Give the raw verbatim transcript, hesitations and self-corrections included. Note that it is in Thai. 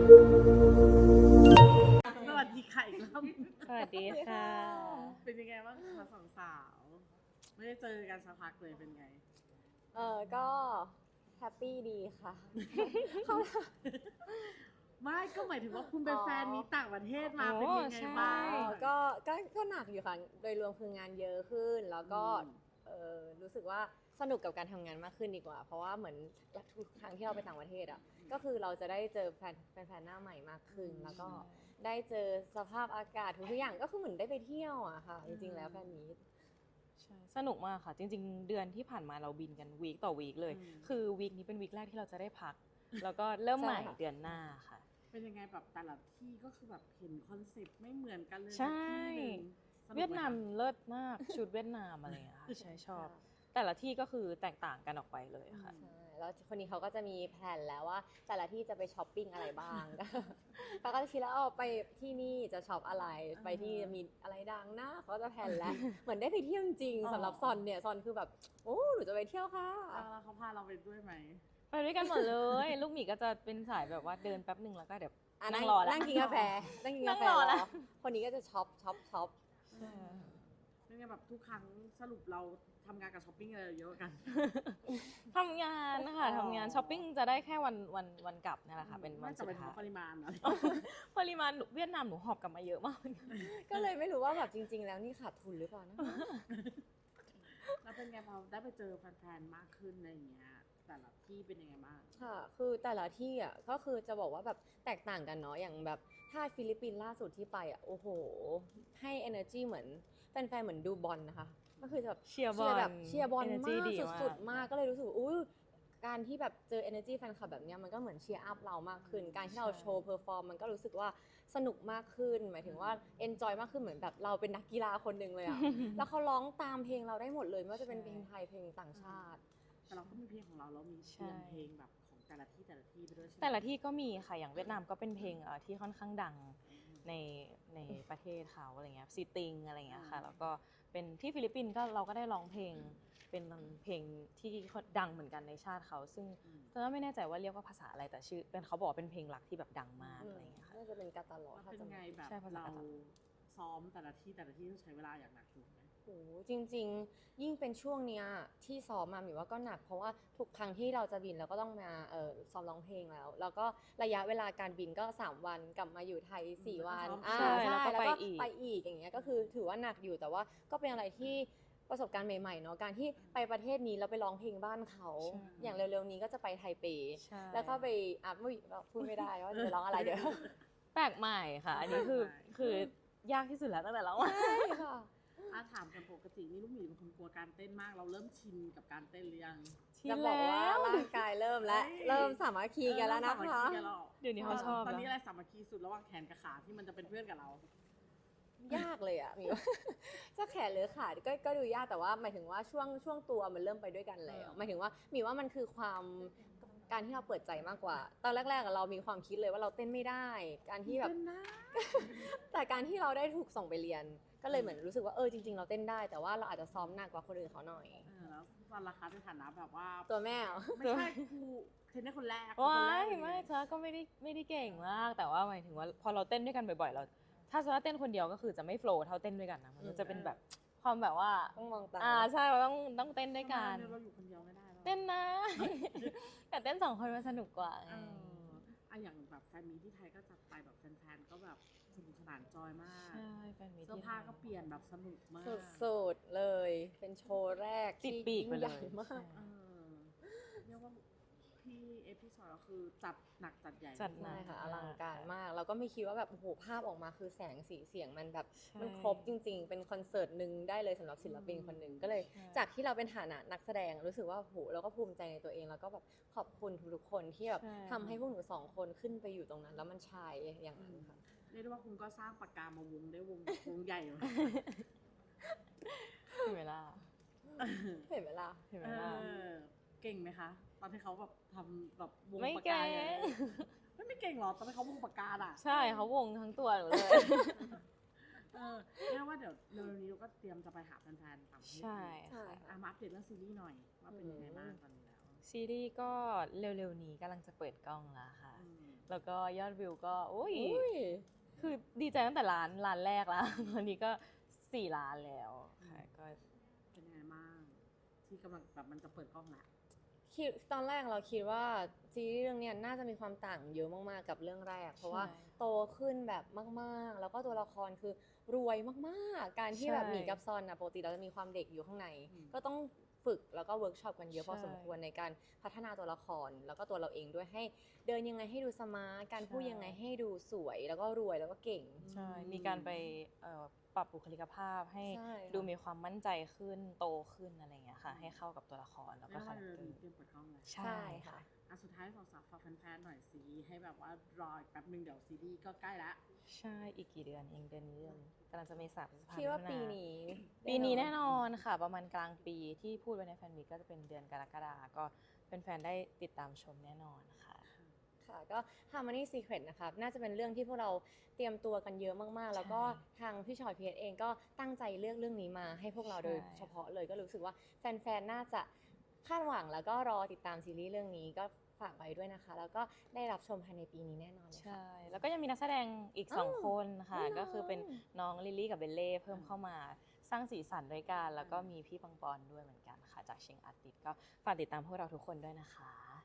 สวัสดีค่ะอีกรอบสวัสดีค่ะเป็นยังไงบ้างคะสองสาวไม่ได้เจอกันสักพักเลยเป็นไงเออก็แฮปปี้ดีค่ะไม่ก็หมายถึงว่าคุณเป็นอ๋อแฟนมีต่างประเทศมาโอ้เป็นยังไงใช่บ้างเออก็ก็ก็หนักอยู่ค่ะ โดยรวมคืองานเยอะขึ้น แล้วก็อืมเออรู้สึกว่าสนุกกับการทำงานมากขึ้นดีกว่า เพราะว่าเหมือนทุกครั้งที่เราไปต่างประเทศอ่ะก็คือเราจะได้เจอแฟนแฟนๆหน้าใหม่มากขึ้น แล้วก็ได้เจอสภาพอากาศทุกอย่างก็คือเหมือนได้ไปเที่ยวอะค่ะ จริงๆแล้วแฟนมีตใช่สนุกมากค่ะ จริงๆ เดือนที่ผ่านมาเราบินกันวีคต่อวีคเลยอืมคือวีคนี้เป็นวีคแรกที่เราจะได้พัก แล้วก็เริ่มใหม่ใช่ค่ะเดือนหน้าค่ะเป็นยังไงแบบแต่ละที่ก็คือแบบเห็นคอนเซ็ปต์ไม่เหมือนกันเลยใช่สักที่หนึ่งสกไหคะเวียดนามเลิศมากชุดเวียดนามอะไรอย่างเงี้ยค่ะใช่ชอบ แต่ละที่ก็คือแตกต่างกันออกไปเลยค่ะใช่แล้วคนนี้เขาก็จะมีแผนแล้วว่าแต่ละที่จะไปช้อปปิ้งอะไรบ้าง เขาก็จะคิดแล้วเอาไปที่นี่จะช็อปอะไร ไปที่มีอะไรดังนะเขาก็จะแผนแล้ว เหมือนได้ไปเที่ยวจริงๆสำหรับซอนเนี่ยซอนคือแบบโอ้หนูจะไปเที่ยวค่ะแล้วเขาพาเราไปด้วยไหมไปด้วยกันหมดเลย ลูกหมีก็จะเป็นสายแบบว่าเดินแป๊บหนึ่งแล้วก็เดี๋ยวอ่ะนั่นั่งงรอแล้วนั่งกินกาแฟนั่งกินกาแฟนั่งรอแล้แล้ววคนนี้ก็จะช็อปช็อปช็อปใช่เป็นไงแบบทุกครั้งสรุปเราทำงานกับช้อปปิ้งอะไรเยอะกันทำงานนะคะอ๋อทำงานช้อปปิ้งจะได้แค่วันวันวันกลับนี่แหละค่ะ เป็นวันไม่สุแต่ดไปถึงท้ายปริมาณอะไรปริมาณเวียดนามหนูหอบกลับมาเยอะมากก็เลยไม่รู้ว่าแบบจริง ๆ แล้วนี่ขาดทุนหรือเปล่านะแล้วเป็นไงพอได้ไปเจอแฟนๆมากขึ้นอะไรอย่างเงี้ยแต่ละที่เป็นยังไงบ้างค่ะ คือแต่ละที่อ่ะก็คือจะบอกว่าแบบแตกต่างกันเนาะ อย่างแบบถ้าฟิลิปปินส์ล่าสุดที่ไปอ่ะ โอ้โห ให้ energy เหมือนแฟนๆเหมือนดูบอลนะคะ ก็คือจะแบบเชียร์บอลแบบเชียร์บอล energy มากดีมากสุดๆ มาก ก็เลยรู้สึกว่าอุ้ยการที่แบบเจอ energy แฟนคลับแบบเนี้ยมันก็เหมือนเชียร์อัพเรามากขึ้น การที่เราโชว์เพอร์ฟอร์มมันก็รู้สึกว่าสนุกมากขึ้น หมายถึงว่า enjoy มากขึ้นเหมือนแบบเราเป็นนักกีฬาคนหนึ่งเลยอ่ะ แล้วเขาร้องตามเพลงเราได้หมดเลยไม่ว่าจะเป็นเพลงไทยเพลงต่างชาติแต่เราก็มีเพลงของเราแล้วมีเตรียมเพลงแบบของแต่ละที่แต่ละที่ไปด้วยใช่ไหมแต่ละที่ก็มีค่ะ อย่างเวียดนามก็เป็นเพลงเอ่อที่ค่อนข้างดังในในประเทศเขาอะไรเงี้ยซีติงอะไรเงี้ยค่ะ แล้วก็เป็นที่ฟิลิปปินส์ก็เราก็ได้ร้องเพลงเป็นเพลงที่ดังเหมือนกันในชาติเขา ซึ่งอืมตอนนั้นไม่แน่ใจว่าเรียกว่าภาษาอะไรแต่ชื่อเป็นเขาบอกว่าเป็นเพลงรักที่แบบดังมากอือะมไรเงี้ยค่ะน่าจะเป็นกาตาลอแล้วถ้าเป็นจำไงไม่ผิดแบบใช่ภาษาเรากาตาร์ซ้อมแต่ละที่แต่ละที่ต้องใช้เวลาอย่างหนักถูกไหมโอ้จริงๆ ยิ่งเป็นช่วงเนี้ยที่ซ้อมมาหมิวว่าก็หนักเพราะว่าทุกครั้งที่เราจะบินเราก็ต้องมาเอ่อซ้อมร้องเพลงแล้ว แล้วก็ระยะเวลาการบินก็สามวันกลับมาอยู่ไทยสี่วันอืมอ่าใช่ใช่แล้วก็แล้วก็ไปอีกไปอีกอย่างเงี้ยก็คือถือว่าหนักอยู่แต่ว่าก็เป็นอะไรที่ประสบการณ์ใหม่ๆเนาะการที่ไปประเทศนี้แล้วไปร้องเพลงบ้านเขาใช่อย่างเร็วๆนี้ก็จะไปไทเปใช่แล้วก็ไปอ่ะไม่พูดไม่ได้ว่าจะไปร้องอะไรเดี๋ยวแปลกใหม่ค่ะ อันนี้คือคือยากที่สุดแล้วตั้งแต่เราใช่ค่ะอาถามกันปกตินี่ลูกหมีเป็นคนกลัวการเต้นมากเราเริ่มชินกับการเต้นหรือยังจะบอกว่าร่างกายเริ่มแล้วเฮ้ยเริ่มสามัคคีกันแล้วนะเออคะสามัคคีกันแล้วเดี๋ยวนี้เขาชอบตอนนี้นะอะไรสามัคคีสุดระหว่างแขนกับขาที่มันจะเป็นเพื่อนกับเรายากเลยอ่ะหมีว่า จะแขนหรือขาก็ก็ดูยากแต่ว่าหมายถึงว่าช่วงช่วงตัวมันเริ่มไปด้วยกันแล้วอ่าหมายถึงว่าหมีว่ามันคือความการที่เราเปิดใจมากกว่า ตอนแรกๆอะเรามีความคิดเลยว่าเราเต้นไม่ได้ การที่แบบเต้นนะแต่การที่เราได้ถูกส่งไปเรียน ก็เลยเหมือนรู้สึกว่าเออจริง ๆ เราเต้นได้ แต่ว่าเราอาจจะซ้อมหนักกว่าคนอื่นเขาหน่อยเออแล้วตอนราคาในฐานะแบบว่าตัวแม่เหรอไม่ใช่ครูเทรนเนอร์คนแรกว้าคนแรยกเลยไม่เธอก็ไม่ได้ไม่ได้เก่งมาก แต่ว่าหมายถึงว่าพอเราเต้นด้วยกันบ่อยๆ เรา ถ้าสมมติว่าเต้นคนเดียวก็คือจะไม่โฟลว์เท่าเต้นด้วยกันนะมันจะเป็นแบบความแบบว่าต้องมองตาอ่าใช่เราต้องต้องเต้นด้วยกันทำไมเราอยู่คนเดียวไม่ได้หรอเต้นนะ แต่เต้นสองคนมันสนุกกว่าเอออะอย่างแบบแฟนมีที่ไทยก็จัดไปแบบแฟนๆก็แบบสนุกสนานจอยมากใช่แฟนมีเสื้อที่ผ้าก็เปลี่ยนแบบสนุกมากสุดๆเลย เป็นโชว์แรกติดที่ปีกไปยิ่งเลใหญ่ยมากใช่เออเรียกว่าพี่เอพิซอยก็คือจัดหนักจัดใหญ่จัดหนัใช่กค่ะอลังการมาก แล้วก็ไม่คิดว่าแบบโอ้โหภาพออกมาคือแสงสีเสียงมันแบบใช่มันครบจริง ๆ เป็นคอนเสิร์ตหนึ่งได้เลยสำหรับศิลปินคนหนึ่งก็เลยใช่จากที่เราเป็นฐานะนักแสดงรู้สึกว่าโหเราก็ภูมิใจในตัวเอง แล้วก็แบบขอบคุณทุกๆคนที่แบบใช่ทำให้พวกหนูสองคนขึ้นไปอยู่ตรงนั้น แล้วมันชายอย่างนั้นค่ะเรียกได้ว่าคุณก็สร้างปากกามาวงได้วงวงใหญ่เลยเห็นไหมล่ะเห็นไหมล่ะเห็นไหมเอล่ะอเก่งไหมคะ ตอนที่เขาแบบทำแบบวงไม่ปากเก่กาง เนี่ยไม่ไม่เก่งหรอตอนที่เขาวงปากกาอ่ะใช่เขาวงทั้งตัวหนูเลยเออเรียกว่าเดี๋ยวเร็วๆนี้เราก็เตรียมจะไปหาแฟนๆต่างประเทศใช่ใช่อ่ะมาอัปเดตเรื่องซีรีส์หน่อยว่าเป็นยังไงบ้างตอนนี้แล้วซีรีส์ก็เร็วๆนี้กำลังจะเปิดกล้องแล้วค่ะอืมแล้วก็ยอดวิวก็อุ้ยอุ้ยคือดีใจตั้งแต่ร้านร้านแรกแล้ว ตอนนี้ก็สี่ล้านแล้วค่ะก็เป็นยังไงบ้างที่กำลังแบบมันจะเปิดกล้องแล้วคิดตอนแรกเราคิดว่าซีรีส์เรื่องเนี้ยน่าจะมีความต่างเยอะมากๆกับเรื่องแรก เพราะว่าใช่โตขึ้นแบบมากๆ แล้วก็ตัวละครคือรวยมากๆ การที่แบบใช่หมีกับซอนนะปกติเราจะมีความเด็กอยู่ข้างในอืมก็ต้องฝึกแล้วก็เวิร์กช็อปกันเยอะใช่พอสมควรในการพัฒนาตัวละคร แล้วก็ตัวเราเองด้วยให้เดินยังไงให้ดูสมาร์ทการพูดใช่ยังไงให้ดูสวยแล้วก็รวยแล้วก็เก่งใช่ มีการไปเอ่อปรับบุคลิกภาพให้ใช่ค่ะดูมีความมั่นใจขึ้นโตขึ้นอะไรอย่างเงี้ยค่ะ ให้เข้ากับตัวละครแล้วก็แล้วคาก็แรคเตอมีร์เตรียมเปิดกล้องแล้วใช่ใช่ค่ะอ่ะสุดท้ายฝากฝากแฟนๆหน่อยสิให้แบบว่ารออีกแป๊บนึงเดี๋ยวซีรีส์ก็ใกล้ละใช่ อีกกี่เดือนเองเดือนนี้เดือนกำลังจะเมษาพฤษภาคิดว่ามิถุปีนี้ปีนี้แน่นอนค่ะ ประมาณกลางปีที่พูดไว้ในแฟนมีตก็จะเป็นเดือนกรกฎาคมก็เป็นแฟนๆได้ติดตามชมแน่นอนค่ะค่ะก็ Harmony Secret นะคะน่าจะเป็นเรื่องที่พวกเราเตรียมตัวกันเยอะมากๆ แล้วก็ทางพี่ชอยพีเอสเองก็ตั้งใจเลือกเรื่องนี้มาให้พวกเราใช่โดยเฉพาะเลยก็รู้สึกว่าแฟนๆ น่าจะคาดหวังแล้วก็รอติดตามซีรีส์เรื่องนี้ก็ฝากไว้ด้วยนะคะ แล้วก็ได้รับชมภายในปีนี้แน่นอนเลยค่ะใช่ แล้วก็ยังมีนักแสดงอีกอ้าวสองคนค่ะแน่นอนก็คือเป็นน้องลิลลี่กับเบลเล่เพิ่มเข้ามาสร้างสีสันด้วยกัน แล้วก็มีพี่ปังปอนด้วยเหมือนกันค่ะ จากเชียงอาร์ติสก็ฝากติดตามพวกเราทุกคนด้วยนะคะ